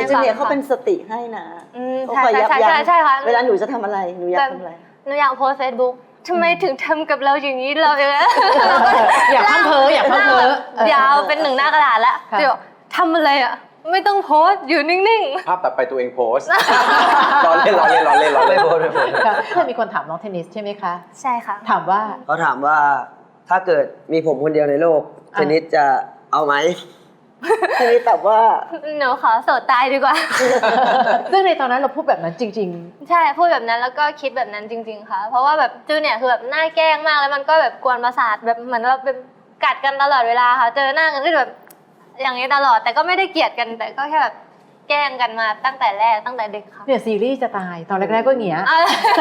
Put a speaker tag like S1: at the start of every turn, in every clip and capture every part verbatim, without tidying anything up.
S1: จูเนียร์เขาเป็นสติให้นะ
S2: อืมใช่ใช่ใช่ใช่ใช่ค่ะ
S1: เวลาหนูจะทำอะไรหนูอยากทำอะไร
S2: หนูอยากโพสเฟซบุ๊กทำไมถึงทำกับเราอย่างนี้เราเอง
S3: อยากพังเพออยากพังเพอย
S2: าวเป็นหนึ่งหน้ากระดาษแล้วเดี๋ยวทำอะไรอ่ะไม่ต้องโพสอยู่นิ่ง
S4: ๆภาพตัดไปตัวเองโพสล้อเล่นล้อเล่นล้อเล่นล้อเล่นโพสโพส
S3: เคยมีคนถามน้องเทนนิสใช่ไหมคะ
S2: ใช่ค่ะ
S3: ถามว่า
S5: เขาถามว่าถ้าเกิดมีผมคนเดียวในโลกเทนนิสจะเอาไหม
S1: เทนนิสตอบว่า
S2: หนูขอโสดตายดีกว่า
S3: ซึ่งในตอนนั้นเราพูดแบบนั้นจริง
S2: ๆใช่พูดแบบนั้นแล้วก็คิดแบบนั้นจริงๆค่ะเพราะว่าแบบจูเนี่ยคือแบบน่าแกล้งมากแล้วมันก็แบบกวนประสาทแบบเหมือนเราเป็นกัดกันตลอดเวลาค่ะเจอหน้ากันก็แบบอย่างนี้ตลอดแต่ก็ไม่ได้เกลียดกันแต่ก็แค่แบบแกล้งกันมาตั้งแต่แรกตั้งแต่เด็กค่ะ
S3: เนี่ยซีรีส์จะตายตอนแรกๆก็เงี้ย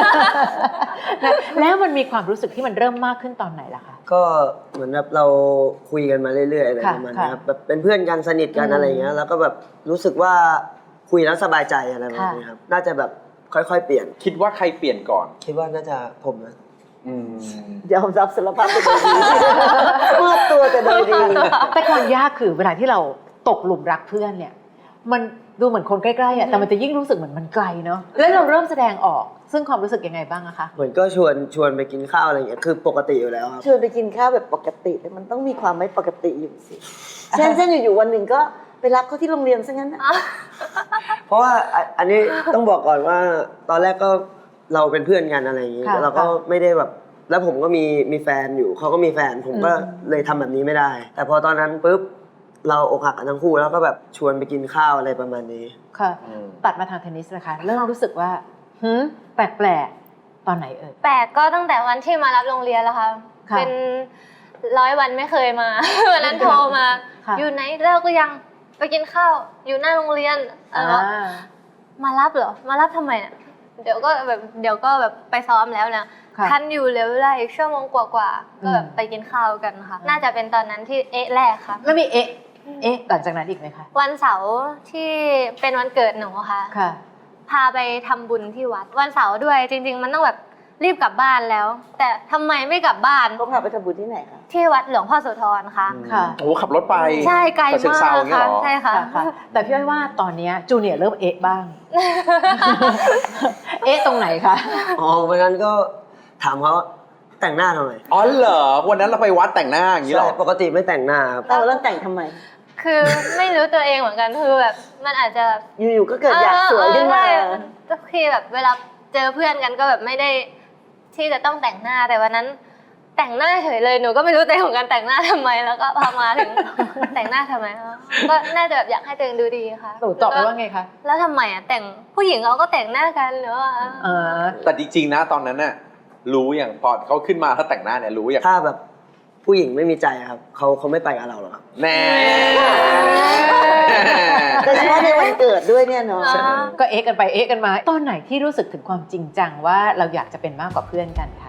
S3: แล้วมันมีความรู้สึกที่มันเริ่มมากขึ้นตอนไหนล่ะคะ
S5: ก็เหมือนแบบเราคุยกันมาเรื่อยๆอะไรประมาณนี้ครับแบบเป็นเพื่อนกันสนิทกันอะไรเงี้ยแล้วก็แบบรู้สึกว่าคุยแล้วสบายใจอะไรแบบนี้ครับน่าจะแบบค่อยๆเปลี่ยน
S4: คิดว่าใครเปลี่ยนก่อน
S5: คิดว่าน่าจะผมนะ
S1: ยอมรับสารภาพแต่โดยดีมอบตัวแต่โดยดี
S3: แต่ความยากคือเวลาที่เราตกหลุมรักเพื่อนเนี่ยมันดูเหมือนคนใกล้ๆอ่ะแต่มันจะยิ่งรู้สึกเหมือนมันไกลเนาะแล้วเราเริ่มแสดงออกซึ่งความรู้สึกยังไงบ้างอะคะ
S5: เหมือนก็ชวนชวนไปกินข้าวอะไรอย่างเงี้ยคือปกติอยู่แล้วครับ
S1: ชวนไปกินข้าวแบบปกติแต่มันต้องมีความไม่ปกติอยู่สิเช่นเช่นอยู่ๆวันหนึ่งก็ไปรับเขาที่โรงเรียนซะงั้น
S5: เพราะว่าอันนี้ต้องบอกก่อนว่าตอนแรกก็เราเป็นเพื่อนกันอะไรอย่างงี้เราก็ไม่ได้แบบแล้วผมก็มีมีแฟนอยู่เขาก็มีแฟนผมก็เลยทำแบบนี้ไม่ได้แต่พอตอนนั้นปุ๊บเราอกหักกันทั้งคู่แล้วก็แบบชวนไปกินข้าวอะไรประมาณนี้
S3: ค่ะตัดมาทางเทนนิสนะคะเริ่มรู้สึกว่าหืมแปลกๆตอนไหนเอ่ย
S2: แปลกก็ตั้งแต่วันที่มารับโรงเรียนแล้วค่ะเป็นร้อยวันไม่เคยมาวันนั้นโทรมาอยู่ไหนเลิกก็ยังไปกินข้าวอยู่หน้าโรงเรียนแล้วมารับเหรอมารับทำไมเนี่ยเดี๋ยวก็แบบเดี๋ยวก็แบบไปซ้อมแล้วนะทันอยู่เหลือเวลาอีกชั่วโมงกว่าๆก็แบบไปกินข้าวกันค่ะน่าจะเป็นตอนนั้นที่เอ๊ะแรกค่ะ
S3: แล้วมีเอ๊ะเอ๊ะหลังจากนั้นอีกไหมคะ
S2: วันเสาร์ที่เป็นวันเกิดหนูค่ะ
S3: ค่ะ
S2: พาไปทำบุญที่วัดวันเสาร์ด้วยจริงๆมันต้องแบบรีบกลับบ้านแล้วแต่ทำไมไม่กลับบ้าน
S1: ก็พาไปทำบุญที่ไหนคะ
S2: ที่วัดหลวงพ่อโสธรค่ะ
S3: ค่ะ
S4: โอ้ขับรถไป
S2: ใช่ไกลมากค่ะใช่ค่ะ
S3: แต่พี่อ้อยว่าตอนนี้จูเนียร์เริ่มเอ๊ะบ้างเอ๊ะตรงไหนคะ
S5: อ๋อวันนั้นก็ถามเขาแต่งหน้าทำไม
S4: อ๋อเหรอวันนั้นเราไปวัดแต่งหน้าอย่างนี้หรอ
S5: ปกติไม่แต่งหน้าครับ
S1: เราเริ่มแต่งทำไม
S2: คือไม่รู้ตัวเองเหมือนกันคือแบบมันอาจจะ
S1: อยู่ๆก็เกิดอยากสวยขึ้นมา
S2: ก็คือแบบเวลาเจอเพื่อนกันก็แบบไม่ได้ที่จะต้องแต่งหน้าแต่วันนั้นแต่งหน้าเฉยเลยหนูก็ไม่รู้ตัวเองเหมือนกันแต่งหน้าทำไมแล้วก็พอมาถึงแต่งหน้าทำไมก็น่าจะแบบอยากให้ตัวเองดูดีค่ะ
S3: หนูตอบไปว่าไงคะ
S2: แล้วทำไมอ่ะแต่งผู้หญิงเขาก็แต่งหน้ากันหรือว่า
S4: แต่จริงๆนะตอนนั้นน่ะรู้อย่างพอเขาขึ้นมาถ้าแต่งหน้าเนี่ยรู้อย่าง
S5: ถ้าแบบผู้หญิงไม่มีใจครับเขาเขาไม่ไปกับเราหรอกครับ
S4: แน่
S1: โดยเฉพาะในวันเกิดด้วยเนี่ยเนาะ
S3: ก็เอ๊ะกันไปเอ๊ะกันมาตอนไหนที่รู้สึกถึงความจริงจังว่าเราอยากจะเป็นมากกว่าเพื่อนกันคะ